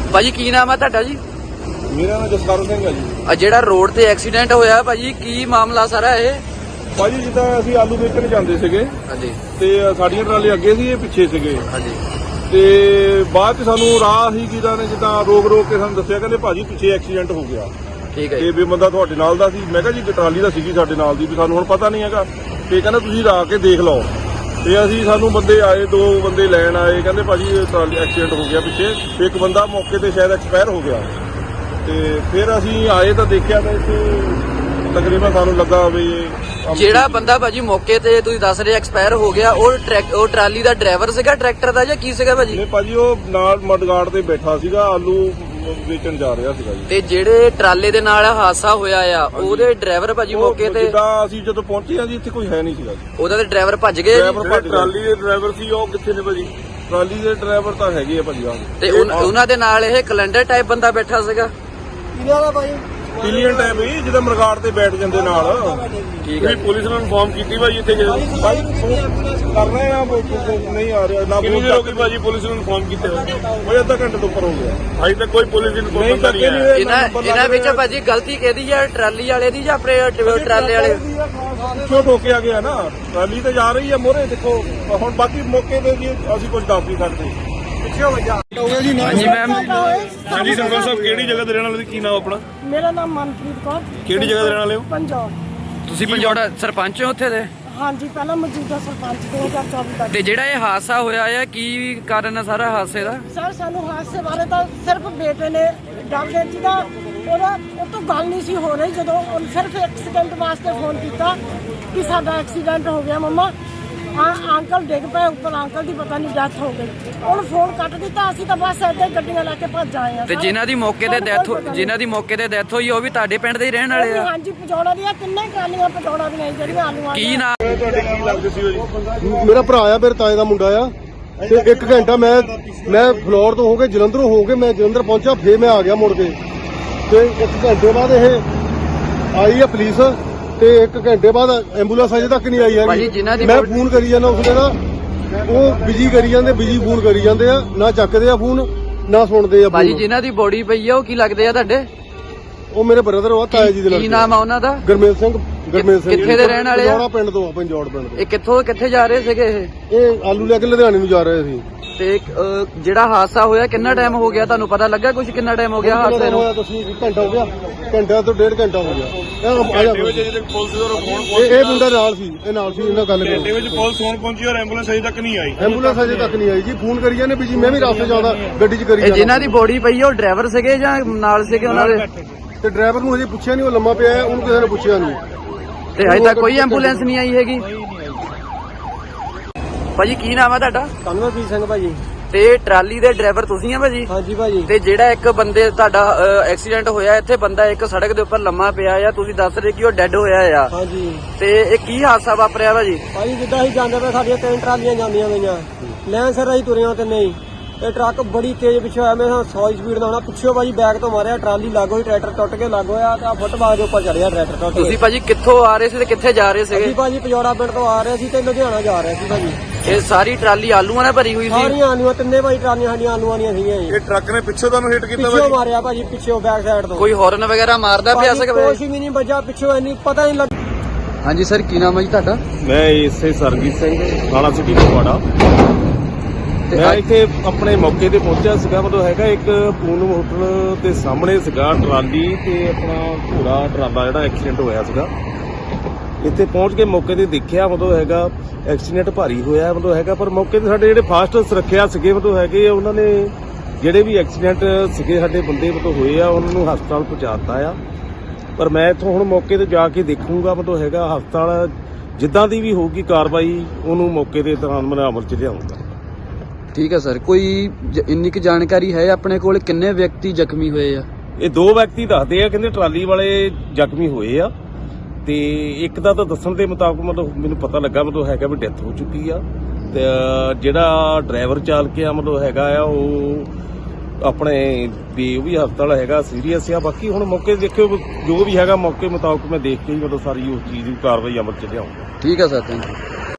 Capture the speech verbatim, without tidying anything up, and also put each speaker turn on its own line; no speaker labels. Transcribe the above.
ਭਾਜੀ ਕੀ ਨਾਮ ਆ ਤੁਹਾਡਾ ਜੀ?
ਮੇਰਾ ਨਾਮ ਜਸਕਰਨ ਸਿੰਘ ਹੈ ਜੀ।
ਆ ਜਿਹੜਾ ਰੋਡ ਤੇ ਐਕਸੀਡੈਂਟ ਹੋਇਆ ਭਾਜੀ, ਕੀ ਮਾਮਲਾ ਸਾਰਾ ਇਹ?
ਭਾਜੀ ਜਿੱਦਾਂ ਅਸੀਂ ਆਲੂ ਵੇਚਣ ਜਾਂਦੇ ਸੀਗੇ
ਹਾਂਜੀ
ਤੇ ਸਾਡੀਆਂ ਟਰਾਲੇ ਅੱਗੇ ਸੀ, ਇਹ ਪਿੱਛੇ ਸੀਗੇ।
ਹਾਂਜੀ
ਤੇ ਬਾਅਦ ਚ ਸਾਨੂੰ ਰਾਹ ਹੀ ਕਿਦਾਂ ਨੇ ਜਿੱਦਾਂ ਰੋਕ ਰੋਕ ਕੇ ਸਾਨੂੰ ਦੱਸਿਆ, ਕਹਿੰਦੇ ਭਾਜੀ ਪਿੱਛੇ ਐਕਸੀਡੈਂਟ ਹੋ ਗਿਆ।
ਠੀਕ ਹੈ
ਤੇ ਵੀ ਬੰਦਾ ਤੁਹਾਡੇ ਨਾਲ ਦਾ ਸੀ। ਮੈਂ ਕਿਹਾ ਜੀ ਟਰਾਲੀ ਦਾ ਸੀਗੀ ਸਾਡੇ ਨਾਲ ਦੀ, ਵੀ ਸਾਨੂੰ ਹੁਣ ਪਤਾ ਨਹੀਂ ਹੈਗਾ। ਤੇ ਕਹਿੰਦਾ ਤੁਸੀਂ ਰਾ ਕੇ ਦੇਖ ਲਓ। ਤੇ ਅਸੀਂ ਸਾਨੂੰ ਬੰਦੇ ਆਏ, ਦੋ ਬੰਦੇ ਲੈਣ ਆਏ, ਕਹਿੰਦੇ ਭਾਜੀ ਟਰਾਲੀ ਐਕਸੀਡੈਂਟ ਹੋ ਗਿਆ ਪਿੱਛੇ। ਤੇ ਇੱਕ ਬੰਦਾ ਮੌਕੇ ਤੇ ਸ਼ਾਇਦ ਐਕਸਪਾਇਰ ਹੋ ਗਿਆ। ਤੇ ਫਿਰ ਅਸੀਂ ਆਏ ਤਾਂ ਦੇਖਿਆ ਤਾਂ ਇੱਥੇ ਤਕਰੀਬਨ ਸਾਨੂੰ ਲੱਗਾ ਵੀ
ਜਿਹੜਾ ਬੰਦਾ ਭਾਜੀ ਮੌਕੇ ਤੇ ਤੁਸੀਂ ਦੱਸ ਰਹੇ ਐਕਸਪਾਇਰ ਹੋ ਗਿਆ, ਉਹ ਟਰੈਕ ਉਹ ਟਰਾਲੀ ਦਾ ਡਰਾਈਵਰ ਸੀਗਾ, ਟਰੈਕਟਰ ਦਾ, ਜਾਂ ਕੀ ਸੀਗਾ ਭਾਜੀ?
ਨਹੀਂ ਭਾਜੀ, ਉਹ ਨਾਲ ਮਡਗਾਰਡ ਤੇ ਬੈਠਾ ਸੀਗਾ, ਆਲੂ ਵੇਚਣ ਜਾ ਰਿਹਾ ਸੀਗਾ ਜੀ।
ਤੇ ਜਿਹੜੇ ਟਰਾਲੇ ਦੇ ਨਾਲ ਹਾਦਸਾ ਹੋਇਆ ਆ, ਉਹਦੇ ਡਰਾਈਵਰ ਭਾਜੀ ਮੌਕੇ ਤੇ?
ਜਿੱਦਾਂ ਅਸੀਂ ਜਦੋਂ ਪਹੁੰਚੇ ਆ ਜੀ, ਇੱਥੇ ਕੋਈ ਹੈ ਨਹੀਂ ਸੀਗਾ ਜੀ।
ਉਹਦਾ ਤੇ ਡਰਾਈਵਰ ਭੱਜ ਗਏ?
ਟਰਾਲੀ ਦੇ ਡਰਾਈਵਰ ਸੀ ਉਹ ਕਿੱਥੇ ਨੇ ਭਾਜੀ? ਟਰਾਲੀ ਦੇ ਡਰਾਈਵਰ ਤਾਂ ਹੈਗੇ ਆ ਭਾਜੀ। ਆ
ਤੇ ਉਹਨਾਂ ਦੇ ਨਾਲ ਇਹ ਕੈਲੰਡਰ ਟਾਈਪ ਬੰਦਾ ਬੈਠਾ ਸੀਗਾ?
ਇਹਨਾਂ ਦਾ ਭਾਜੀ ਪਿਲੀਅਨ ਟਾਈਪ ਹੀ ਜਿਹਦਾ ਮਰਗਾੜ ਤੇ ਬੈਠ ਜਾਂਦੇ ਨਾਲ।
ਠੀਕ ਹੈ।
ਪੁਲਿਸ ਨੂੰ ਇਨਫਾਰਮ ਕੀਤੀ ਭਾਜੀ ਇੱਥੇ ਭਾਈ ਕਰ ਰਹੇ ਆ, ਨਹੀਂ ਆ ਰਿਹਾ ਨਾ। ਕਿੰਨੀ ਦੇਰ ਹੋ ਗਈ ਭਾਜੀ ਪੁਲਿਸ ਨੂੰ ਇਨਫਾਰਮ ਕੀਤੇ? ਉਹ ਅੱਧਾ ਘੰਟੇ ਤੋਂ ਉੱਪਰ ਹੋ ਗਿਆ। ਅਜੇ ਤੱਕ ਕੋਈ ਪੁਲਿਸ ਇਨਫਾਰਮ ਨਹੀਂ ਆਇਆ।
ਇਹਨਾਂ ਇਹਨਾਂ ਵਿੱਚ ਭਾਜੀ ਗਲਤੀ ਕਿਹਦੀ ਆ, ਟਰਾਲੀ ਵਾਲੇ ਦੀ ਜਾਂ ਆਪਣੇ ਟਰਾਲੇ ਵਾਲੇ?
ਕਿਉਂ ਠੋਕਿਆ ਗਿਆ ਨਾ, ਟਰਾਲੀ ਤੇ ਜਾ ਰਹੀ ਹੈ ਮੋਹਰੇ। ਦੇਖੋ ਹੁਣ ਬਾਕੀ ਮੌਕੇ ਤੇ ਜੀ ਅਸੀਂ ਕੁਝ ਦੱਸ ਨਹੀਂ ਸਕਦੇ।
ਹਾਂਜੀ ਮੈਮ।
ਹਾਂਜੀ ਸਰਪੰਚ ਸਾਹਿਬ, ਕਿਹੜੀ ਜਗ੍ਹਾ ਦੇ ਰਹਿਣ ਵਾਲੇ? ਕੀ ਨਾਮ ਆਪਣਾ?
ਮੇਰਾ ਨਾਮ ਮਨਪ੍ਰੀਤ ਕੌਰ।
ਕਿਹੜੀ ਜਗ੍ਹਾ ਦੇ ਰਹਿਣ ਵਾਲੇ ਹੋ?
ਪੰਜਾਬ।
ਤੁਸੀਂ ਪੰਜੌੜਾ ਸਰਪੰਚ ਹੋ ਉੱਥੇ ਦੇ?
ਹਾਂਜੀ, ਪਹਿਲਾਂ ਮੌਜੂਦਾ ਸਰਪੰਚ ਦੋ ਹਜ਼ਾਰ ਚੌਵੀ ਤੱਕ।
ਤੇ ਜਿਹੜਾ ਇਹ ਹਾਦਸਾ ਹੋਇਆ ਆ, ਕੀ ਕਾਰਨ ਆ ਸਾਰਾ ਹਾਦਸੇ ਦਾ?
ਸਰ ਸਾਨੂੰ ਹਾਦਸੇ ਬਾਰੇ ਤਾਂ ਸਿਰਫ ਬੇਟੇ ਨੇ ਡਰਦੇ ਸੀ ਦਾ ਉਹਦਾ ਉਹ ਤੋਂ ਗੱਲ ਨਹੀਂ ਸੀ ਹੋ ਰਹੀ। ਜਦੋਂ ਉਹ ਸਿਰਫ ਐਕਸੀਡੈਂਟ ਵਾਸਤੇ ਫੋਨ ਕੀਤਾ ਕਿ ਸਾਡਾ ਐਕਸੀਡੈਂਟ ਹੋ ਗਿਆ ਮੰਮਾ, ਹਾਂ ਅੰਕਲ ਡਿੱਗ ਪਏ ਉੱਪਰ, ਅੰਕਲ ਦੀ ਪਤਾ ਨਹੀਂ ਡੈਥ ਹੋ ਗਈ। ਉਹਨੂੰ ਫੋਨ ਕੱਟ ਦਿੱਤਾ। ਅਸੀਂ ਤਾਂ ਬਸ ਏਦਾਂ ਹੀ ਗੱਡੀਆਂ ਲੈ ਕੇ ਭੱਜ ਆਏ ਆ।
ਤੇ ਜਿਨ੍ਹਾਂ ਦੀ ਮੌਕੇ ਤੇ ਡੈਥ ਜਿਨ੍ਹਾਂ ਦੀ ਮੌਕੇ ਤੇ ਡੈਥ ਹੋਈ, ਉਹ ਵੀ ਤੁਹਾਡੇ ਪਿੰਡ ਦੇ ਹੀ ਰਹਿਣ ਵਾਲੇ ਆ?
ਹਾਂਜੀ, ਪਜੌੜਾ ਦੀਆਂ ਤਿੰਨੇ ਟਰਾਲੀਆਂ ਪਜੌੜਾ ਦੀਆਂ ਜਿਹੜੀਆਂ ਆਲੂਆਂ
ਕੀ ਨਾਮ
ਤੁਹਾਡੇ ਕੀ ਲੱਗਦੇ ਸੀ ਜੀ?
ਮੇਰਾ ਭਰਾ ਆ, ਮੇਰੇ ਤਾਏ ਦਾ ਮੁੰਡਾ ਆ। ਤੇ ਇੱਕ ਘੰਟਾ ਮੈਂ ਮੈਂ ਫਲੋਰ ਤੋਂ ਹੋ ਕੇ ਜਲੰਧਰੋਂ ਹੋ ਕੇ ਮੈਂ ਜਲੰਧਰ ਪਹੁੰਚਾ, ਫੇਰ ਮੈਂ ਆ ਗਿਆ ਮੁੜ ਕੇ। ਤੇ ਇੱਕ ਘੰਟੇ ਬਾਅਦ ਇਹ ਆਈ ਆ ਪੁਲਿਸ, ਤੇ ਇੱਕ ਘੰਟੇ ਬਾਅਦ ਐਂਬੂਲੈਂਸ ਅਜੇ ਤੱਕ ਨਹੀਂ ਆਈ ਹੈਗੀ। ਮੈਂ ਫੋਨ ਕਰੀ ਜਾਂਦਾ ਉਸਨੇ ਨਾ, ਉਹ ਬਿਜੀ ਕਰੀ ਜਾਂਦੇ, ਬਿਜੀ ਫੋਨ ਕਰੀ ਜਾਂਦੇ ਆ, ਨਾ ਚੱਕਦੇ ਆ ਫੋਨ ਨਾ ਸੁਣਦੇ ਆ।
ਭਾਜੀ ਜਿਨ੍ਹਾਂ ਦੀ ਬੋਡੀ ਪਈ ਆ, ਉਹ ਕੀ ਲੱਗਦੇ ਆ ਤੁਹਾਡੇ?
ਉਹ ਮੇਰੇ ਬ੍ਰਦਰ ਆ, ਤਾਇਆ ਜੀ ਦੇ ਨਾਲ।
ਕੀ ਨਾਮ ਆ ਉਹਨਾਂ ਦਾ?
ਗੁਰਮੇਲ ਸਿੰਘ। ਗੁਰਮੇਲ ਸਿੰਘ
ਕਿੱਥੇ ਦੇ ਰਹਿਣ ਵਾਲੇ ਆ?
ਪੰਜੌੜਾ ਪਿੰਡ ਤੋਂ ਆ, ਪੰਜੌੜ ਪਿੰਡ ਤੋਂ।
ਇਹ ਕਿੱਥੋਂ ਕਿੱਥੇ ਜਾ ਰਹੇ ਸੀਗੇ ਇਹ?
ਇਹ ਆਲੂ ਲੈ ਕੇ ਲੁਧਿਆਣੇ ਨੂੰ ਜਾ ਰਹੇ ਸੀ।
ਤੇ ਜਿਹੜਾ ਹਾਦਸਾ ਹੋਇਆ ਕਿੰਨਾ ਟਾਈਮ ਹੋ ਗਿਆ, ਤੁਹਾਨੂੰ ਪਤਾ ਲੱਗਾ ਕੁਝ? ਕਿੰਨਾ ਟਾਈਮ ਹੋ ਗਿਆ ਹਾਦਸੇ ਨੂੰ?
ਘੰਟਾ ਹੋ ਗਿਆ, ਘੰਟਾ ਤੋਂ ਡੇਢ ਘੰਟਾ ਹੋ ਗਿਆ। ਇਹ ਮੁੰਡਾ ਨਾਲ ਸੀ, ਇਹ ਨਾਲ ਸੀ, ਇਹਨਾਂ ਗੱਲ
ਘੰਟੇ ਵਿੱਚ ਪੁਲਿਸ ਹੁਣ ਪਹੁੰਚੀ ਔਰ ਐਂਬੂਲੈਂਸ ਅਜੇ ਤੱਕ ਨਹੀਂ ਆਈ।
ਐਂਬੂਲੈਂਸ ਅਜੇ ਤੱਕ ਨਹੀਂ ਆਈ ਜੀ। ਫੋਨ ਕਰੀ ਜਾਂਦੇ ਵੀ ਜੀ, ਮੈਂ ਵੀ ਰਾਸਤੇ ਜਾਂਦਾ ਗੱਡੀ 'ਚ ਕਰੀ ਜਾਂਦਾ।
ਜਿਨ੍ਹਾਂ ਦੀ ਬੋਡੀ ਪਈ ਆ, ਉਹ ਡਰਾਈਵਰ ਸੀਗੇ ਜਾਂ ਨਾਲ ਸੀਗੇ ਉਹਨਾਂ ਦੇ?
ਤੇ ਡਰਾਈਵਰ ਨੂੰ ਹਜੇ ਪੁੱਛਿਆ ਨਹੀਂ, ਉਹ ਲੰਮਾ ਪਿਆ ਹੈ, ਉਹਨੂੰ ਕਿਸੇ ਨੇ ਪੁੱਛਿਆ ਨਹੀਂ।
ਤੇ ਹਜੇ ਤੱਕ ਕੋਈ ਐਂਬੂਲੈਂਸ ਨਹੀਂ ਆਈ ਹੈਗੀ? ਭਾਜੀ ਕੀ ਨਾਮ ਆ ਤੁਹਾਡਾ?
ਕਨਵਰਜੀਤ ਸਿੰਘ ਭਾਜੀ।
ਤੇ ਟਰਾਲੀ ਦੇ ਡਰਾਈਵਰ ਤੁਸੀਂ ਆ ਭਾਜੀ?
ਹਾਂਜੀ ਭਾਜੀ।
ਤੇ ਜਿਹੜਾ ਇੱਕ ਬੰਦੇ ਤੁਹਾਡਾ ਐਕਸੀਡੈਂਟ ਹੋਇਆ, ਇੱਥੇ ਬੰਦਾ ਇੱਕ ਸੜਕ ਦੇ ਉੱਪਰ ਲੰਮਾ ਪਿਆ ਆ, ਤੁਸੀਂ ਦੱਸ ਰਹੇ ਕਿ ਉਹ ਡੈੱਡ ਹੋਇਆ ਆ।
ਹਾਂਜੀ।
ਤੇ ਇਹ ਕੀ ਹਾਦਸਾ ਵਾਪਰਿਆ ਭਾਜੀ?
ਭਾਜੀ ਜਿੱਦਾਂ ਅਸੀਂ ਜਾਂਦੇ ਪਏ, ਸਾਡੀਆਂ ਤਿੰਨ ਟਰਾਲੀਆਂ ਜਾਂਦੀਆਂ ਗਈਆਂ, ਲੈਣ ਸਰ ਅਸੀਂ ਤੁਰਿਆਂ ਤੇ ਨਹੀਂ, ਇਹ ਟਰੱਕ ਬੜੀ ਤੇਜ਼ ਪਿੱਛੇ ਆਇਆ। ਮੈਂ ਸੌ ਸਪੀਡ ਦਾ ਹੋਣਾ, ਪਿੱਛੋਂ ਭਾਜੀ ਬੈਕ ਤੋਂ ਮਾਰਿਆ, ਟਰਾਲੀ ਲੱਗ ਹੋਈ, ਟਰੈਕਟਰ ਟੁੱਟ ਕੇ ਲੱਗ ਹੋਇਆ ਤੇ ਆ ਫੁੱਟਬਾਲ ਦੇ ਉੱਪਰ ਚੜਿਆ ਟਰੈਕਟਰ ਟੁੱਟ ਕੇ।
ਤੁਸੀਂ ਭਾਜੀ ਕਿੱਥੋਂ ਆ ਰਹੇ ਸੀ ਤੇ ਕਿੱਥੇ ਜਾ ਰਹੇ ਸੀਗੇ?
ਅਸੀਂ ਭਾਜੀ ਪਜੌੜਾ ਪਿੰਡ ਤੋਂ ਆ ਰਹੇ ਸੀ ਤੇ ਲੁਧਿਆਣਾ ਜਾ ਰਹੇ ਸੀ ਭਾਜੀ।
ਇਹ ਸਾਰੀ ਟਰਾਲੀ ਆਲੂਆਂ ਨਾਲ ਭਰੀ ਹੋਈ ਸੀ?
ਸਾਰੀਆਂ ਆਲੂਆਂ, ਤਿੰਨੇ ਭਾਜੀ ਟਰਾਲੀਆਂ ਸਾਡੀਆਂ ਆਲੂਆਂ ਦੀਆਂ ਸੀਗੀਆਂ ਜੀ।
ਇਹ ਟਰੱਕ ਨੇ ਪਿੱਛੋਂ ਤੁਹਾਨੂੰ ਹਿੱਟ ਕੀਤਾ
ਪਿੱਛੋਂ ਮਾਰਿਆ ਭਾਜੀ, ਪਿੱਛੋਂ ਬੈਕ ਸਾਈਡ ਤੋਂ।
ਕੋਈ ਹਾਰਨ ਵਗੈਰਾ ਮਾਰਦਾ ਪਿਆ ਸੀਗਾ?
ਕੁਛ ਵੀ ਨਹੀਂ ਵੱਜਾ ਪਿੱਛੋਂ, ਇੰਨੀ ਪਤਾ ਨਹੀਂ ਲੱਗ।
ਹਾਂਜੀ ਸਰ, ਕੀ ਨਾਮ ਹੈ ਜੀ ਤੁਹਾਡਾ?
ਮੈਂ ਇਸੇ ਸਰਜੀਤ ਸਿੰਘ, ਥਾਣਾ ਸਿਟੀ ਫਗਵਾੜਾ। ਮੈਂ ਇੱਥੇ ਆਪਣੇ ਮੌਕੇ ਤੇ ਪਹੁੰਚਿਆ ਸੀਗਾ। ਮਤਲਬ ਹੈਗਾ ਇੱਕ ਪੂਨਮ ਹੋਟਲ ਦੇ ਸਾਹਮਣੇ ਸੀਗਾ ਟਰਾਲੀ ਤੇ ਆਪਣਾ ਘੋੜਾ ਟਰਾਲਾ ਜਿਹੜਾ ਐਕਸੀਡੈਂਟ ਹੋਇਆ ਸੀਗਾ। ਇੱਥੇ ਪਹੁੰਚ ਕੇ ਮੌਕੇ ਤੇ ਦੇਖਿਆ, ਮਤਲਬ ਹੈਗਾ ਐਕਸੀਡੈਂਟ ਭਾਰੀ ਹੋਇਆ ਮਤਲਬ ਹੈਗਾ। ਪਰ ਮੌਕੇ ਤੇ ਸਾਡੇ ਜਿਹੜੇ ਫਾਸਟ ਸੁਰੱਖਿਆ ਸੀਗੇ ਮਤਲਬ ਹੈਗੇ, ਉਹਨਾਂ ਨੇ ਜਿਹੜੇ ਵੀ ਐਕਸੀਡੈਂਟ ਸੀਗੇ ਸਾਡੇ ਬੰਦੇ ਮਤਲਬ ਹੋਏ ਆ, ਉਹਨਾਂ ਨੂੰ ਹਸਪਤਾਲ ਪਹੁੰਚਾ ਦਿੱਤਾ ਆ। ਪਰ ਮੈਂ ਇੱਥੋਂ ਹੁਣ ਮੌਕੇ ਤੇ ਜਾ ਕੇ ਦੇਖੂੰਗਾ, ਮਤਲਬ ਹੈਗਾ ਹਸਪਤਾਲ ਜਿੱਦਾਂ ਦੀ ਵੀ ਹੋਊਗੀ ਕਾਰਵਾਈ, ਉਹਨੂੰ ਮੌਕੇ ਦੇ ਦੌਰਾਨ ਮੈਂ ਅਮਲ 'ਚ ਲਿਆਉਂਗਾ।
ਠੀਕ ਹੈ ਸਰ, ਕੋਈ ਇੰਨੀ ਕੁ ਜਾਣਕਾਰੀ ਹੈ ਆਪਣੇ ਕੋਲ ਕਿੰਨੇ ਵਿਅਕਤੀ ਜ਼ਖਮੀ ਹੋਏ ਆ?
ਇਹ ਦੋ ਵਿਅਕਤੀ ਦੱਸਦੇ ਆ, ਕਹਿੰਦੇ ਟਰਾਲੀ ਵਾਲੇ ਜ਼ਖਮੀ ਹੋਏ ਆ। ਤੇ ਇੱਕ ਦਾ ਤਾਂ ਦੱਸਣ ਦੇ ਮੁਤਾਬਕ ਮਤਲਬ ਮੈਨੂੰ ਪਤਾ ਲੱਗਾ ਮਤਲਬ ਹੈਗਾ ਵੀ ਡੈਥ ਹੋ ਚੁੱਕੀ ਆ। ਤੇ ਜਿਹੜਾ ਡਰਾਈਵਰ ਚਾਲਕ ਆ ਮਤਲਬ ਹੈਗਾ ਆ, ਉਹ ਆਪਣੇ ਵੀ ਉਹ ਵੀ ਹਸਪਤਾਲ ਹੈਗਾ, ਸੀਰੀਅਸ ਆ। ਬਾਕੀ ਹੁਣ ਮੌਕੇ ਦੇਖਿਓ, ਜੋ ਵੀ ਹੈਗਾ ਮੌਕੇ ਮੁਤਾਬਕ ਮੈਂ ਦੇਖ ਕੇ ਹੀ ਮਤਲਬ ਸਾਰੀ ਉਸ ਚੀਜ਼ ਦੀ ਕਾਰਵਾਈ ਅਮਲ ਚ ਲਿਆਉਂਗਾ।
ਠੀਕ ਹੈ ਸਰ, ਥੈਂਕ ਯੂ।